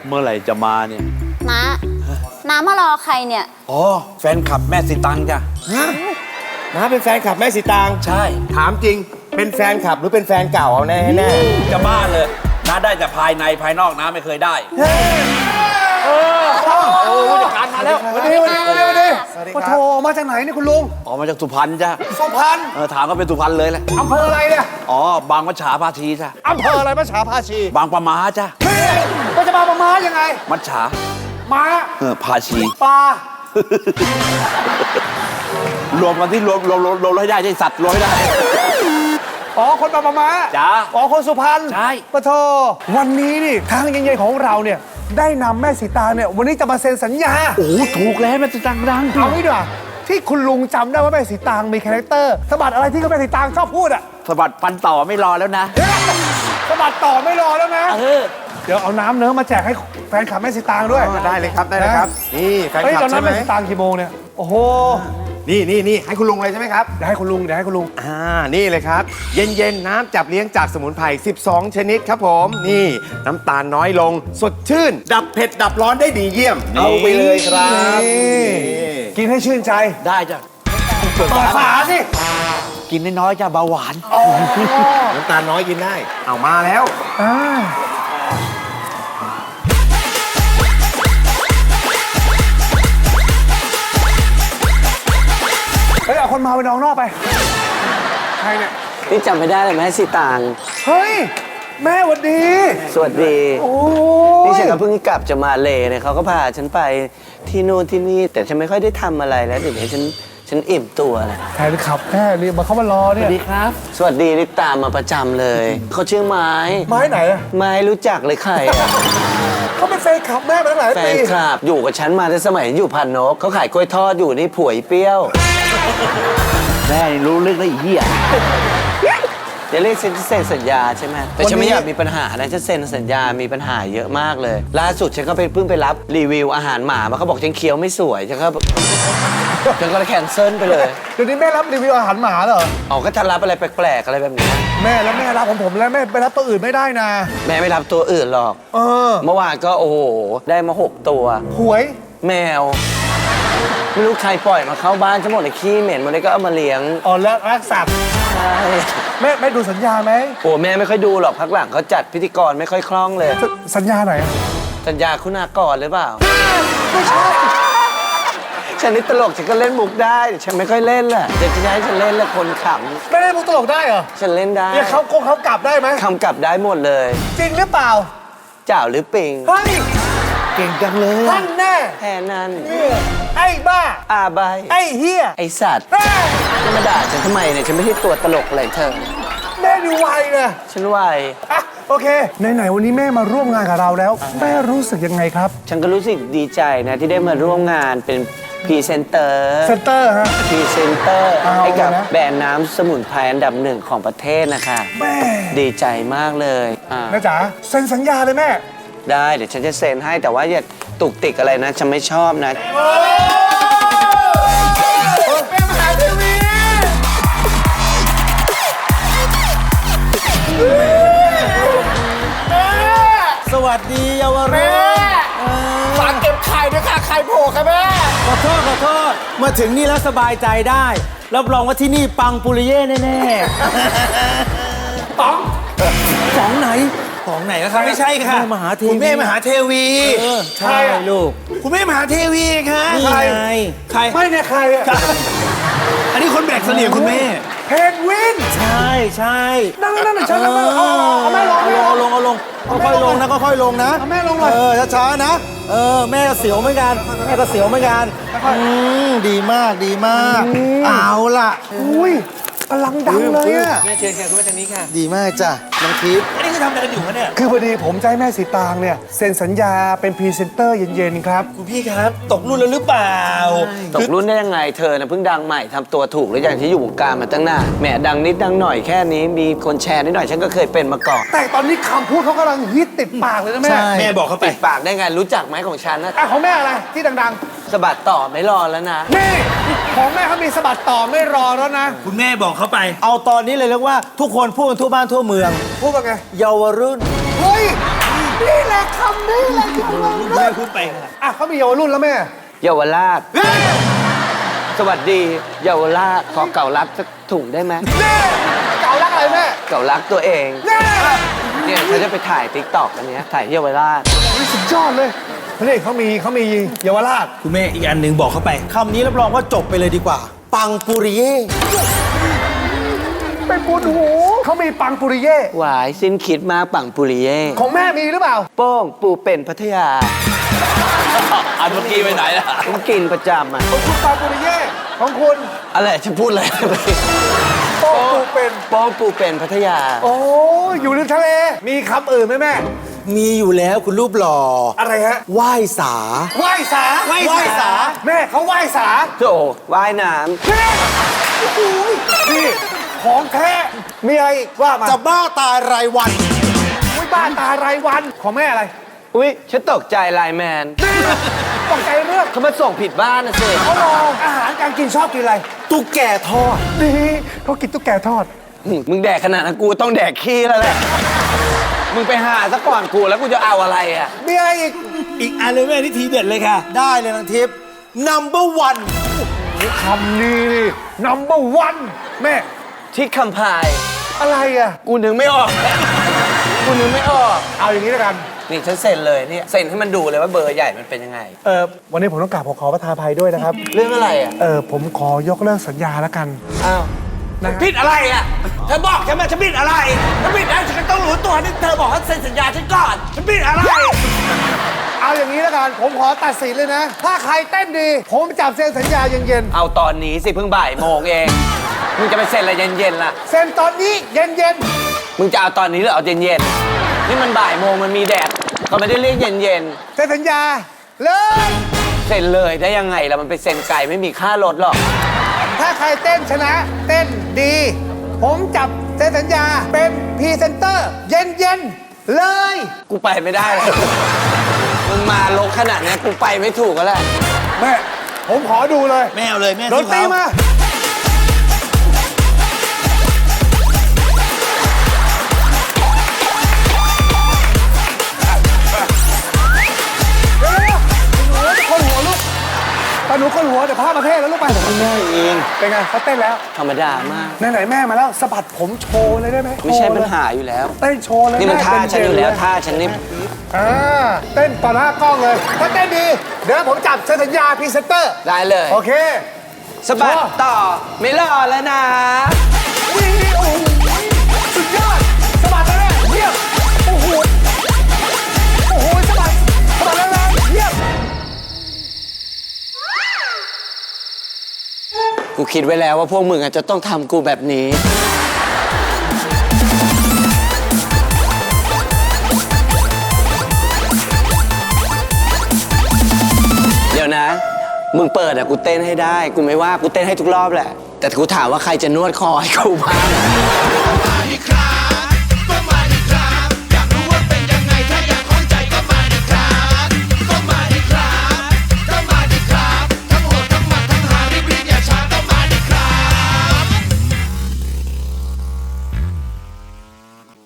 เมื่อไหร่จะมาเนี่ยน้ามารอใครเนี่ยอ๋อแฟนคลับแม่สีตังจ้ะน้าเป็นแฟนคลับแม่สีตางใช่ถามจริงเป็นแฟนคลับหรือเป็นแฟนเก่าเอาแน่แน่จะบ้าเลยน้าได้แต่ภายในภายนอกน้าไม่เคยได้ผู้จัดการมาแล้ววันนี้มาโทรมาจากไหนเนี่ยคุณลุงอ๋อมาจากสุพรรณจ้ะสุพรรณถามก็เป็นสุพรรณเลยแหละอำเภออะไรเนี่ยอ๋อบางมัจฉาพาทีจ้ะอำเภออะไรมัจฉาภาชีบางปะมาจ้ะก็จะมาประมายังไงมัจฉาม้าพาชีปลารวมกันที่รวมให้ได้ใช่สัตว์รวมให้ได้อ๋อคนมาประมาจ้าอ๋อคนสุพรรณใช่ปะโทวันนี้นี่ทางเย็นๆของเราเนี่ยได้นำแม่สีตางเนี่ยวันนี้จะมาเซ็นสัญญาโอ้ถูกแล้วแม่สีตังดังเอางี้ดีกว่าที่คุณลุงจำได้ว่าแม่สีตางมีคาแรคเตอร์สะบัดอะไรที่ก็แม่สีตางชอบพูดอะสะบัดฟันต่อไม่รอแล้วนะสะบัดต่อไม่รอแล้วนะเออเดี๋ยวเอาน้ำเนื้อมาแจกให้แฟนคลับแม่สีตางด้วยได้เลยครับได้เลยครับนี่แฟนเฮ้ยคลับตอนนั้ใช่นไหมแม่สีตางกี่โมงเนี่ยโอ้โหนี่ให้คุณลุงเลยใช่ไหมครับเดี๋ยวให้คุณลุงนี่เลยครับ เย็นๆน้ำจับเลี้ยงจากสมุนไพร12 ชนิดครับผมนี่น้ำตาลน้อยลงสดชื่น ดับเผ็ดดับร้อนได้ดีเยี่ยมเอาไปเลยครับกินให้ชื่นใจได้จ้ะเปิดฝาสิกินน้อยๆจ้ะเบาหวานน้ำตาลน้อยกินได้เอามาแล้วเฮ้ยเอาคนมาไปนอกนอกไปใครเนี่ยนี่จำไม่ได้เลยแม่สีตางเฮ้ยแม่หวัดดีสวัสดีโอ้นี่ยฉันก็เพิ่งกลับจะมาเลเนี่ยเขาก็พาฉันไปที่นู่นที่นี่ แต่ฉันไม่ค่อยได้ทำอะไรแล้วเดี๋ยวนี้ฉันอิ่มตัวแล้วแฟนขับแม่รีบมาเข้ามารอเนี่ยสวัสดีนี่ตามมาประจำเลยเขาชื่อไม้ไม้ไหนอะไม้รู้จักเลยใครอะเขาเป็นแฟนขับแม่มาตั้งหลายแฟปีนคลับอยู่กับฉันมาตั้งสมัยอยู่พันนกเขาขายกล้วยทอดอยู่นี่ผวยเปรี้ยวแม่นี่รู้เรื่องได้อีกเหี้ยเดี๋ยวเรียกฉันเซ็นสัญญาใช่ไหมแต่ฉันไม่อยากมีปัญหานะฉันเซ็นสัญญามีปัญหาเยอะมากเลย ล่าสุดฉันก็เพิ่งไปรับรีวิวอาหารหมามาเขาบอกฉันเคี้ยวไม่สวยฉันก็เลยแคนเซิลไปเลยเดี๋ยวนี้แม่รับรีวิวอาหารหมาเหรออ๋อก็ถ้ารับอะไรแปลกๆอะไรแบบนี้แม่แล้วแม่รับของผมแล้วแม่ไปรับตัวอื่นไม่ได้นะแม่ไม่รับตัวอื่นหรอกเออเมื่อวานก็โอ้โหได้มา6 ตัวหวยแมว ไม่รู้ใครปล่อยมาเข้าบ้านฉันหมดเลยขี้เหม็นหมดเลยก็เอามาเลี้ยงอ๋อแล้วรักสัตว์ใช่แม่ดูสัญญาไหมโอ้แม่ไม่ค่อยดูหรอกพักหลังเขาจัดพิธีกรไม่ค่อยคล่องเลยสัญญาไหนอะสัญญาคุณากรหรือเปล่าไม่ใช่ฉันนี่ตลกฉันก็เล่นมุกได้แต่ฉันไม่ค่อยเล่นแหละจะให้ฉันเล่นแล้วคนขไม่ได้มุกตลกได้เหรอำฉันเล่นได้เนี่ยเขากลับได้ไหมคำกลับได้หมดเลยจริงหรือเปล่าเจ้าหรือปิงเฮ้ยเก่งจังเลยท่านแน่แค่นั้นเนี่ยไอ้บ้าอาใบไอ้เฮียไอสัตว์เฮ้ยจะมาด่าฉันทำไมเนี่ยฉันไม่ใช่ตัวตลกอะไรเธอแม่ดูไวนะฉันไหวอ่ะโอเคไหนๆวันนี้แม่มาร่วมงานกับเราแล้ว แม่รู้สึกยังไงครับฉันก็รู้สึกดีใจนะที่ได้มาร่วมงานเป็นพรีเซนเตอร์เซนเตอร์ฮะพรีเซนเตอร์เอาให้กับนะแบรนด์น้ำสมุนไพรอันดับ1ของประเทศนะคะแม่ดีใจมากเลยอ่าแม่จ๋าเซ็นสัญญาเลยแม่ได้เดี๋ยวฉันจะเซ็นให้แต่ว่าอย่าตุกติกอะไรนะฉันไม่ชอบนะเป็นมหาเทวีสวัสดีเยาวรุ่นฝากเก็บไข่ด้วยค่ะไข่โผล่ค่ะแม่ขอโทษ มาถึงนี่แล้วสบายใจได้ รับรองว่าที่นี่ปังปุริเย่แน่ๆป๋องไหนป๋องไหนนะครับไม่ใช่ค่ะมหาเทวีคุณแม่มหาเทวีใช่ลูกคุณแม่มหาเทวีค่ะนี่ไงใครไม่เนี่ยใครอะอันนี้คนแบกเสลี่ยงคุณแม่เพนกวินใช่นั่งๆฉันนั่งๆเอาแม่ลงเอาลงค่อยๆลงนะค่อยๆลงนะเอาแม่ลงหน่อยช้าๆนะแม่ก็เสียวเหมือนกันแม่ก็เสียวเหมือนกันดีมากเอาล่ะอุ้ยกำลังดังเลยอะแม่เชิญค่ะคุณแม่ทางนี้ค่ะดีมากจ้ะน้องทิพย์อันนี้คือทำอะไรกันอยู่คะเนี่ยคือพอดีผมจะให้แม่สีตางเนี่ยเซ็นสัญญาเป็นพรีเซนเตอร์เย็นๆครับคุณพี่ครับตกรุ่นแล้วหรือเปล่าตกรุ่นได้ยังไงเธอนะเพิ่งดังใหม่ทำตัวถูกหรืออย่างที่อยู่วงการมาตั้งนานแหมดังนิดดังหน่อยแค่นี้มีคนแชร์นิดหน่อยฉันก็เคยเป็นมาก่อนแต่ตอนนี้คำพูดเขากำลังฮิตติดปากเลยนะแม่แม่บอกเขาไปติดปากได้ไงรู้จักไหมของฉันนะอ่ะของแม่อะไรที่ดังสะบัดต่อไม่รอแล้วนะๆ นี่ของแม่เขามีสะบัดต่อไม่รอแล้วนะคุณแม่บอกเขาไปเอาตอนนี้เลยเรียกว่าทุกคนพูดกันทั่วบ้านทั่วเมืองพูดว่าไงเยาวรุ่นเฮ้ยนี่แหละคำนี้แหละเยาวรุ่นแม่พูดไปค่ะอ่ะเขามีเยาวรุ่นแล้วแม่เยาวราช สวัสดี เยาวราช ขอเก่ารักสักถุงได้ไหมนี่เก่ารักอะไรแม่เก่ารักตัวเองนี่เนี่ยเขาจะไปถ่ายติ๊กต็อกอันเนี้ยถ่ายที่เยาวราชสุดยอดเลยนี่เขามีเยาวราชคุณแม่อีกอันหนึ่งบอกเข้าไปคำนี้รับรองว่าจบไปเลยดีกว่า ปังปุริเย่เป็นปุนหูเขามีปังปุริเย่หวายสิ้นคิดมากปังปุริเย่ของแม่มีหรือเปล่าโป้งปูเป็นพัทยาอันเมื่อกี้ไปไหนล่ะผมกินประจำอ่ะของคุณปังปุริเย่ของคุณอะไรจะพูดอะไรโป้ปูเป็นโป้งปูเป็นพัทยาโอ้อยู่ริมทะเลมีคำอื่นไหมแม่มีอยู่แล้วคุณรูปหล่ออะไรฮะไหว้สาไหว้สาไหว้สาแม่เขาไหว้สาโถว่ายน้แม่โอ้โหนี่ของแท้มีอะไรอีกว่ามาจะบ้าตายรายวันอุ้ยบ้านตารายวันของแม่อะไรำอุ้ยฉันตกใจไลน์แมนตกใจเรื่องเขามาส่งผิดบ้านนะสิเขาลองอาหารการกินชอบกินอะไรตุ๊กแกทอดดีเขากินตุ๊กแกทอดมึงแดกขนาดนั้นกูต้องแดกขี้แล้วแหละ มึงไปหาซะก่อนกูแล้วกูจะเอาอะไรอ่ะมีอะไรอีกอีกอันเลยแม่ที่ทีเด็ดเลยค่ะ ได้เลยนางทิพย์ number one คำนี้นี่ number one แม่ที่คำพายอะไรอ่ะกูนึกไม่ออก กูนึกไม่ออกเอาอย่างนี้แล้วกันนี่ฉันเซ็นเลยเนี่ยเซ็นให้มันดูเลยว่าเบอร์ใหญ่มันเป็นยังไงวันนี้ผมต้องกราบขอประทานอภัยด้วยนะครับเรื่องอะไรอ่ะผมขอยกเลิกสัญญาแล้วกันอ้าวนะผิดอะไรอ่ะเธอบอกฉันมาฉันผิดอะไรฉันผิดอะไรฉันก็ต้องรู้ตัวที่เธอบอกให้เซ็นสัญญาฉันก่อนฉันผิดอะไรเอาอย่างนี้แล้วกัน ผมขอตัดสินเลยนะ ถ้าใครเต้นดี ผมจับเซ็นสัญญาเย็นเอาตอนนี้สิเพิ่งบ่ายโมงเอง มึงจะไปเซ็นอะไรเย็นๆล่ะๆเซ็นตอนนี้เย็นมึงจะเอาตอนนี้หรือเอาเย็นๆนี่มันบ่ายโมงมันมีแดดเขาไม่ได้เรียกเย็นๆเซ็นสัญญาเลยๆเซ็นเลยได้ยังไงล่ะมันไปเซ็นไก่ไม่มีค่ารถหรอกถ้าใครเต้นชนะ เต้นดี ผมจับเซ็นสัญญาเป็นพรีเซนเตอร์เย็นๆเลยกูไปไม่ได้เลยมึงมาลกขนาดนี้กูไปไม่ถูกแล้วแหละแม่ ผมขอดูเลยแม่เอาเลยแม่ดนตรีมา ตาหนูคนหัวเดี๋ยวพาประเทศแล้วลูกไปแม่เองเป็นไงเขาเต้นแล้วธรรมดามากไหนๆแม่มาแล้วสะบัดผมโชว์เลยได้ไหมไม่ใช่โชว์ปัญเลยหาอยู่แล้วเต้นโชว์เลยนี่มันแท่าฉันอยู่แล้วเด่ๆท่าฉันนี่อ่าเต้นต่อหน้ากล้องเลย ถ้าเต้นดี เดี๋ยวผมจับเซ็นสัญญาพรีเซนเตอร์ได้เลยโอเคสะบัดต่อไม่รอแล้วนะวิ่งโอ้โหสุดยอดสะบัดแล้วเยี่ยมโอ้โหโอ้โหสะบัดแล้วเยี่ยมกูคิดไว้แล้วว่าพวกมึงอาจจะต้องทำกูแบบนี้ เดี๋ยวนะ มึงเปิดอะกูเต้นให้ได้ กูไม่ว่ากูเต้นให้ทุกรอบแหละ แต่กูถามว่าใครจะนวดคอให้กูบ้าง